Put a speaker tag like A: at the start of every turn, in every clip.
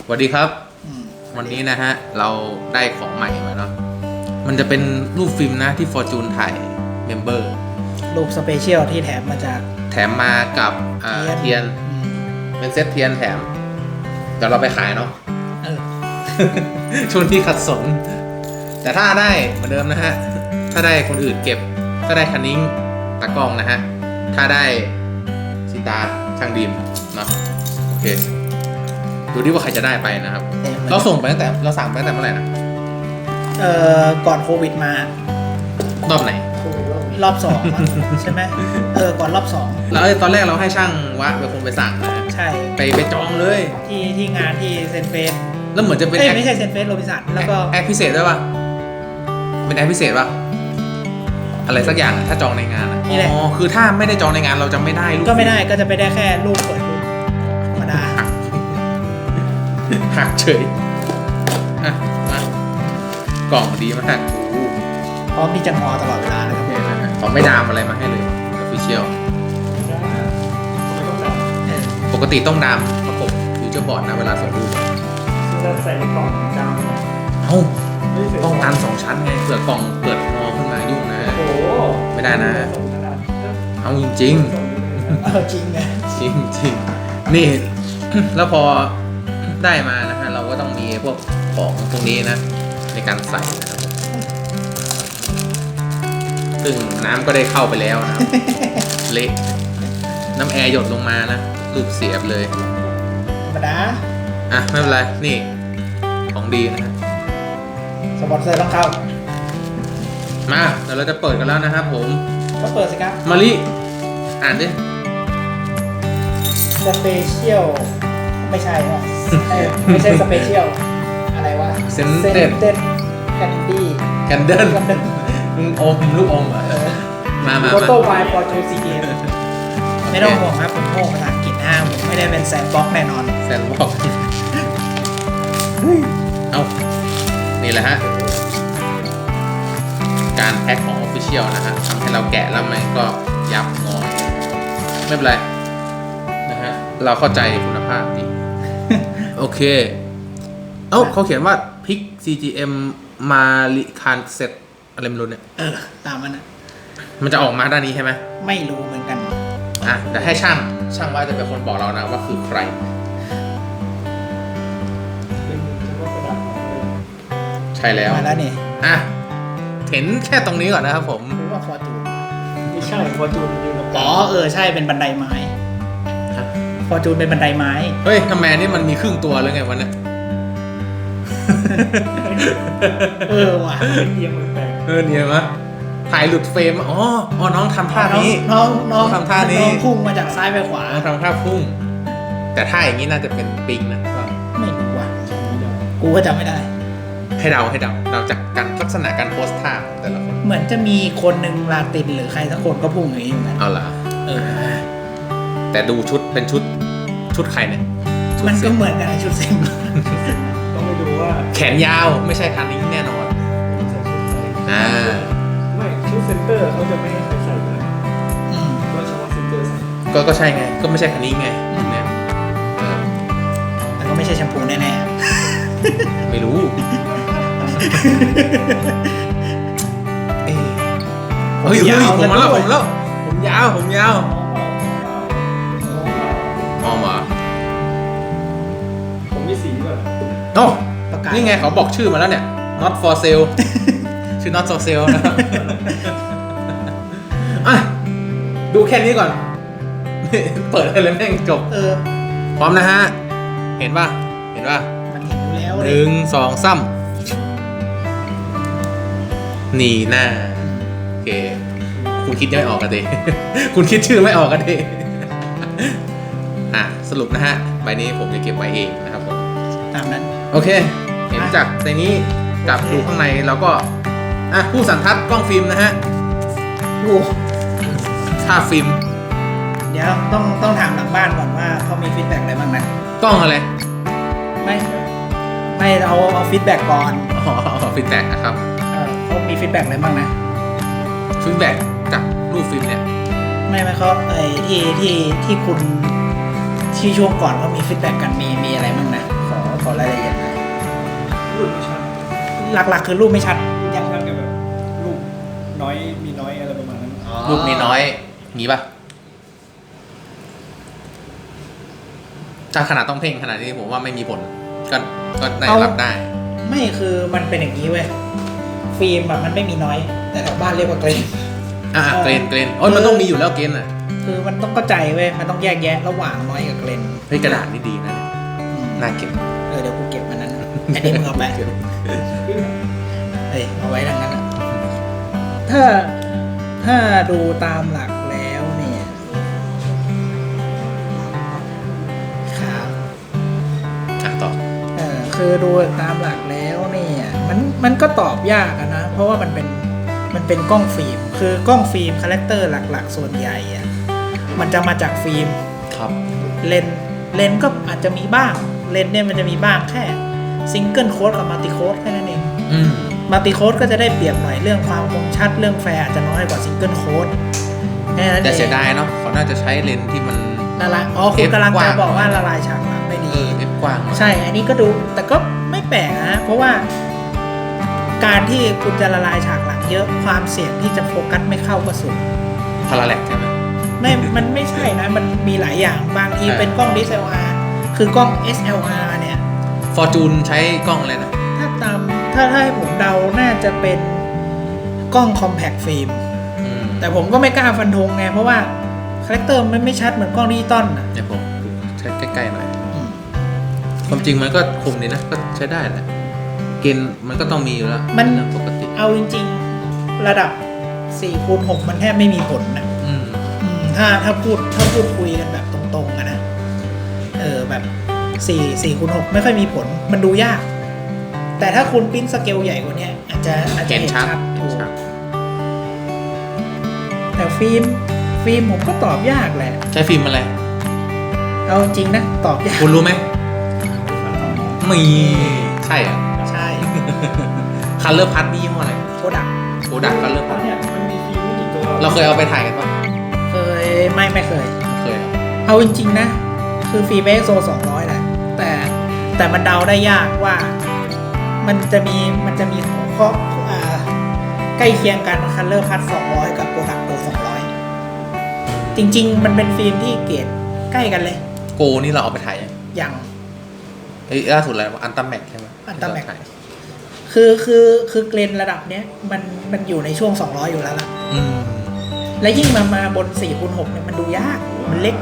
A: วัสดีครับวันนี้นะฮะเราได้ของใหม่มาเนาะมันจะเป็นรูปฟิล์มนะที่ Fortune ถ่ายเมมเบอร์
B: รูปสเปเชียลที่แถมมาจาก
A: แถมมากับเทียนเป็นเซตเทียนแถมเดี๋ยวเราไปขายเนาะช่วงที่ขัดสนแต่ถ้าได้เหมือนเดิมนะฮะถ้าได้คนอื่นเก็บถ้าได้คันนิ้งตากล้องนะฮะถ้าได้ซิตาช่างดีมเนาะโอเคดูดิว่าใครจะได้ไปนะครับเราส่งไปตั้งแต่เราสั่งไปตั้งแต่เมื่อไหร่นะ
B: ก่อนโควิดมาร
A: อบไหน
B: รอบ2ใช่ไหมก่อนรอบ2
A: แล้วตอนแรกเราให้ช่างวะเป็นคนไปสั่งนะ
B: ใช่
A: ไปจองเลย
B: ที่งานที่เซนเฟส
A: แล้วเหมือนจะเป็น
B: ไม่ใช่เซนเฟสโรบินสันแล้วก็
A: แอคพิเศษด้วยป่ะเป็นแอคพิเศษป่ะอะไรสักอย่างถ้าจองในงานอ๋อคือถ้าไม่ได้จองในงานเราจะไม่ได้
B: ก็ไม่ได้ก็จะไปได้แค่รูปเปิดรูปธรรมดา
A: หักเฉยมากล่องดีมาก
B: พร้อมที่จะงอตลอดเวลานะครับ
A: เขาไม่ดามอะไรมาให้เลยออฟฟิเชียลปกติต้องดามประกบฟิวเจอร์บอร์ดนะเวลาส่งรูป
C: จะใส่ในกล่องดาม
A: ต้องดาม2 ชั้นไงเผื่อกล่องเกิดงอขึ้นมายุ่งนะไม่ได้นะเอาจริง
B: จริงไง
A: จริงนี่แล้วพอได้มานะฮะเราก็ต้องมีพวกของตรงนี้นะในการใส่นะครับซึ่งน้ำก็ได้เข้าไปแล้วนะเละน้ำแอร์หยดลงมานะรูปเสียบเลย
B: ธรรมดา
A: ไม่เป็นไรนี่ของดีนะฮะ
B: สปอนเซอร์ต้องเข้า
A: มาเดี๋ยวเราจะเปิดกันแล้วนะครับผม
B: ก็เปิดสิครับ
A: มาลิอ่านดิ
B: สเปเชียลไม่ใช่หรอไม่ใช่สเปเชียลอะไรวะ
A: เซนเต็ด
B: แคนดี้
A: แคนเดิลอมลูกอมมา
B: โฟโต้ไวน์ฟอร์จูซีเกมไม่ต้องห่วงครับผมโง่ภาษาอังกฤษผมไม่ได้เป็นแซนบ็อกแน่นอน
A: แซนบ็อกเอานี่แหละฮะการแพ็คของ Official นะฮะทำให้เราแกะแล้วมันก็ยับงอไม่เป็นไรนะฮะเราเข้าใจคุณภาพดีโอเคเขาเขียนว่าพิก CGM มาลิคานเซ็ตอะไรไม่รู้เนี่ย
B: ตามมันนะ
A: มันจะออกมาด้านนี้ใช่ไหม
B: ไม่รู้เหมือนกัน
A: เดี๋ยวให้ช่างว่าจะเป็นคนบอกเรานะว่าคือใครใช่แล้ว
B: มาแล้วนี่
A: เห็นแค่ตรงนี้ก่อนนะครับผม
B: รู้ว่าฟอร์จูน
C: ไม่ใช่ฟอร์จูนอยู่ตรงกล
B: างใช่เป็นบันไดไม้ฟอร์จูนเป็นบันไดไม้
A: เฮ้ยทำไมนี่มันมีครึ่งตัวเลยไงวะเนี่ย
C: ว่ะเนียมแปลก
A: เนียมะถ่ายหลุดเฟรมน้องทำท่านี้
B: น้อง
A: ทำท่านี้
B: น้องพุ่งมาจากซ้ายไปขวา
A: ทำท่าพุ่งแต่ท่าอย่างนี้น่าจะเป็นปิงนะ
B: ไม่รู้ว่ะกูก็จำไม่ได้
A: ให้เดาจากการลักษณะการโพสท่าแต่ละคน
B: เหมือนจะมีคนหนึ่งลาตินหรือใครสักคนก็พุ่งอย่างนี้เหมือนกัน
A: เอาล่ะแต่ดูชุดเป็นชุดใครเนี่ย
B: มันก็เหมือนกันชุดเซ็ง
C: ต้องไปดูว่า
A: แขนยาวไม่ใช่คันนี้แน่นอน
C: ไม่ชุดเซนเตอร์เขาจะไม่ให้ใครใส่เลยก็เฉพาะเซนเตอร์ใส่
A: ก็ใช่ไงก็ไม่ใช่คันนี้ไงเนี่ย
B: แต่ก็ไม่ใช่แชมพูแน่
A: ๆไม่รู้ผมยาวผมยาวออมา
C: ผมมีสีด้วย
A: นี่ไงเขาบอกชื่อมาแล้วเนี่ย not for sale ชื่อ not for sale นะครับดูแค่นี้ก่อนเปิดอะไรแม่งจบพร้อมนะฮะเห็นป่ะ
B: มันเห็นอยู่แล้ว
A: 1 2 3นี่หน้าโอเคคุณคิดไม่ออกกันดิคุณคิดชื่อไม่ออกกันดิสรุปนะฮะใบนี้ผมจะเก็บไว้เองนะครับผม
B: ตามนั้น
A: โอเคเห็นจากในนี้กับดูข้างในเราก็ผู้สันทัดกล้องฟิล์มนะฮะค่าฟิล์ม
B: เดี๋ยวต้องถามหลังบ้านก่อนว่าเขามีฟีดแบ็กอะไรบ้างนะ
A: กล้องอะไร
B: ไม่เอาฟีดแบ็กก่อน
A: ฟีดแบ็กนะครับ
B: เขามีฟีดแบ็กอะไรบ้างนะ
A: ฟีดแบ็กจากรูปฟิล์มเนี่ย
B: ไม่เขาที่คุณที่ช่วงก่อนเขามีฟีดแบ็กกันมีอะไรบ้างนะขอรายหลักๆคือรูปไม่ชัด
C: ยังทำกับแบบลูกน้อยมีน้อยอะไรประมาณนั้น
A: รูปนี้น้อยมีป่ะถ้าขนาดต้องเพ่งขนาดนี้ผมว่าไม่มีผลก็ได้รับได้
B: ไม่คือมันเป็นอย่างนี้เว้ยฟิล์มอะมันไม่มีน้อย แต่แถวบ้านเรียกว่าเกรน
A: เกรนโอ้ยมันต้องมีอยู่แล้วเกรนอ่ะ
B: คือมันต้องเข้าใจเว้ยมันต้องแยกแยะระหว่างน้อยกับเกรน
A: เฮ้ยกระดาษนี่ดีนะเนี่ยน่าเก็บ
B: เดี๋ยวกูเก็บมันนั้นอันนี้มึงเอาไปเฮ้ยเอาไว้ดังนั้นอะถ้าดูตามหลักแล้วเนี่ยครับ
A: ต่อ
B: คือดูตามหลักแล้วเนี่ยมันก็ตอบยากอะนะเพราะว่ามันเป็นกล้องฟิล์มคือกล้องฟิล์มคาแรคเตอร์หลักๆส่วนใหญ่อะมันจะมาจากฟิล์ม
A: ครับ
B: เลนก็อาจจะมีบ้างเลนเนี่ยมันจะมีบ้างแค่ซิงเกิลโค้ดกับมัลติโค้ดแค่นั้นเองมัลติโค้ดก็จะได้เปรียบหน่อยเรื่องความคมชัดเรื่องแฟร์อาจจะน้อยกว่าซิงเกิลโค้ดแค่นั้นเอง
A: แต่เสียดายเนาะเขาน่าจะใช้เลนส์ที่มัน
B: ละลายคุณกำลังจะบอกว่าละลายฉากหลังไม่ดี
A: เอฟกว้าง
B: ใช่อันนี้ก็ดูแต่ก็ไม่แปลกนะเพราะว่าการที่คุณจะละลายฉากหลังเยอะความเสี่ยงที่จะโฟกัสไม่เข้าก็สูง
A: พาราแลกใช่ไหม
B: มันไม่ใช่นะมันมีหลายอย่างบางทีเป็นกล้อง DSLR คือกล้อง SLR เนี่ย
A: ฟอร์จูนใช้กล้องอะไรนะ
B: ถ้าให้ผมเดาน่าจะเป็นกล้อง Compact Film แต่ผมก็ไม่กล้าฟันธงไงเพราะว่าคาแรคเตอร์มันไม่ชัดเหมือนกล้องดิจิตอลนะ
A: เดี๋ยวผมดูใช้ใกล้ๆหน่อยความจริงมันก็คมดีนะก็ใช้ได้แหละเกณฑ์มันก็ต้องมีอยู่แล้วมันปกติ
B: เอาจริงๆระดับ 4x6 มันแทบไม่มีผลนะถ้าพูดคุยกันแบบตรงๆนะแบบ4x6 ไม่ค่อยมีผลมันดูยากแต่ถ้าคุณปริ้นสเกลใหญ่กว่านี้อาจจะเห็นชัดแต่ฟิล์มผมก็ตอบยากแหละ
A: ใช้ฟิล์มอะไร
B: เอาจริงนะตอบยาก
A: คุณรู้ไหมมีใช่อ่ะ
B: ใช่
A: คัลเลอร์พัทนี่ยี่ห้ออะไร
B: โคดัก
A: คัลเลอร์พัท
C: เนี่ยมันมีฟิล์มไม่กี่ตัว
A: เราเคยเอาไปถ่ายกันปะ
B: เคยไม่เคย
A: เอา
B: จริงๆนะคือฟิล์ม ISO 200แหละแต่มันเดาได้ยากว่ามันจะมีข้อใกล้เคียงกันคัลเลอร์พัท200กับโคดักโก200จริงๆมันเป็นฟิล์มที่เกรดใกล้กันเลย
A: โกนี่เราเอาไปถ่าย
B: ยัง
A: ล่าสุดอะไรอันตัมแม็กใช่ไหม
B: อันตัมแม็กคือเกรนระดับเนี้ยมันอยู่ในช่วง200อยู่แล้วล่ะและยิ่งมาบน 4x6 เนี่ยมันดูยากมันเล็ก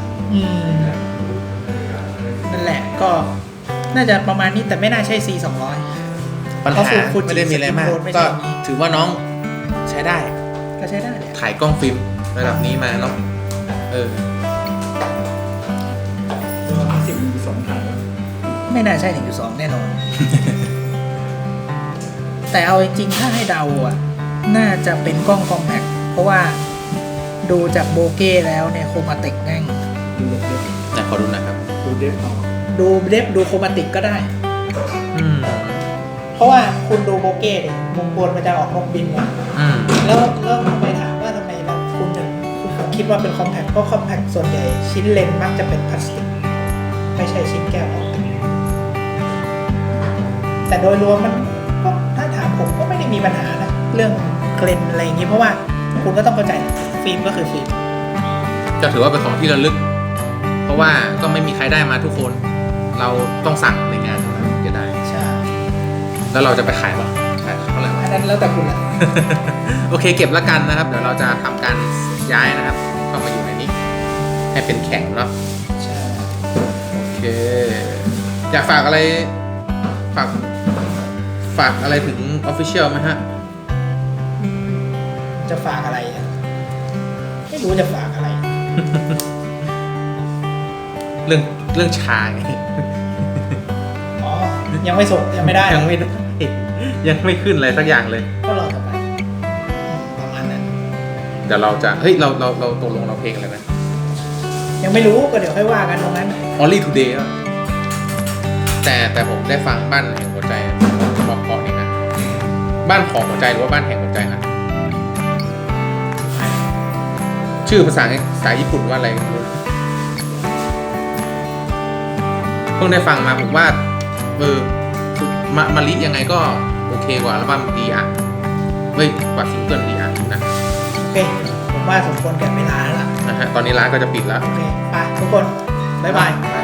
B: นั่นแหละก็น่าจะประมาณนี้แต่ไม่น่าใช่ C200
A: ปัญหาไม่ได้มีอะไรมากก็ถือว่าน้องใช้ได้
B: ก็ใช้ได้
A: ถ่ายกล้องฟิล์มระดับนี้มาเนาะ
C: 10-2ถ่าย
B: ไม่น่าใช่1.2แน่นอน แต่เอาจริงๆถ้าให้เดาอ่ะน่าจะเป็นกล้องคอมแพคเพราะว่าดูจากโบเก้แล้วเนี่ยโครมาติกแน่ง
A: แต่ขอดูนะครับ
C: ดูเดฟ
B: ดูโครมาติกก็ได้เพราะว่าคุณดูโบเก้เนี่ยมุมบนมันจะออกนกบินมาแล้วทำไมถามว่าทำไมแบบคุณคิดว่าเป็นคอมแพคเพราะคอมแพคส่วนใหญ่ชิ้นเลนส์มักจะเป็นพลาสติกไม่ใช่ชิ้นแก้วออปติกแต่โดยรวมมันก็ถ้าถามผมก็ไม่ได้มีปัญหานะเรื่องเกรนอะไรอย่างนี้เพราะว่าคุณก็ต้องเข้าใจฟิล์มก็คือฟิล์ม
A: จะถือว่าเป็นของที่ระลึกเพราะว่าก็ไม่มีใครได้มาทุกคนเราต้องสั่งในงานจะได้
B: ใช่
A: แล้วเราจะไปขายป่ะขายเท่าไหร่
B: อันนั้นแล้วแต่คุณละ
A: โอเคเก็บแล้วกันนะครับเดี๋ยวเราจะทำการย้ายนะครับเข้ามาอยู่ในนี้ให้เป็นแข็งเนาะ
B: ใช่
A: โอเคอยากฝากอะไรฝากอะไรถึง Official ไหมฮะ
B: จะฝากอะไรไม่รู้จะฝากอะไร
A: เรื่องชาไง
B: อ๋อยังไม่ส่งยังไม่ได้
A: ยังไม่ขึ้นอะไรสักอย่างเลย
B: ก็รอต่อไปประมาณนั้น
A: เดี๋ยวเราจะเฮ้ยเราตกลงเราเพลงอะไรนะ
B: ยังไม่รู้ก็เดี๋ยวค่อยว่ากันตรงนั้น
A: Only Today แต่ผมได้ฟังบ้านแห่งหัวใจเพราะนี่นะบ้านของหัวใจหรือว่าบ้านแห่งหัวใจนะชื่อภาษาญี่ปุ่นว่าอะไรไม่รู้เพิ่งได้ฟังมาผมว่ามาลิยังไงก็โอเคกว่าอัลบั้มดีอ่ะเฮ้ยกว่าซิงเกิลดีอ่ะอยู่นะ
B: โอเค ผมว่าสมควรแก่เวลาแล้วล่ะ
A: นะฮะตอนนี้ร้านก็จะปิดแล้ว
B: โอเค ไปทุกคน บ๊ายบาย
A: บาย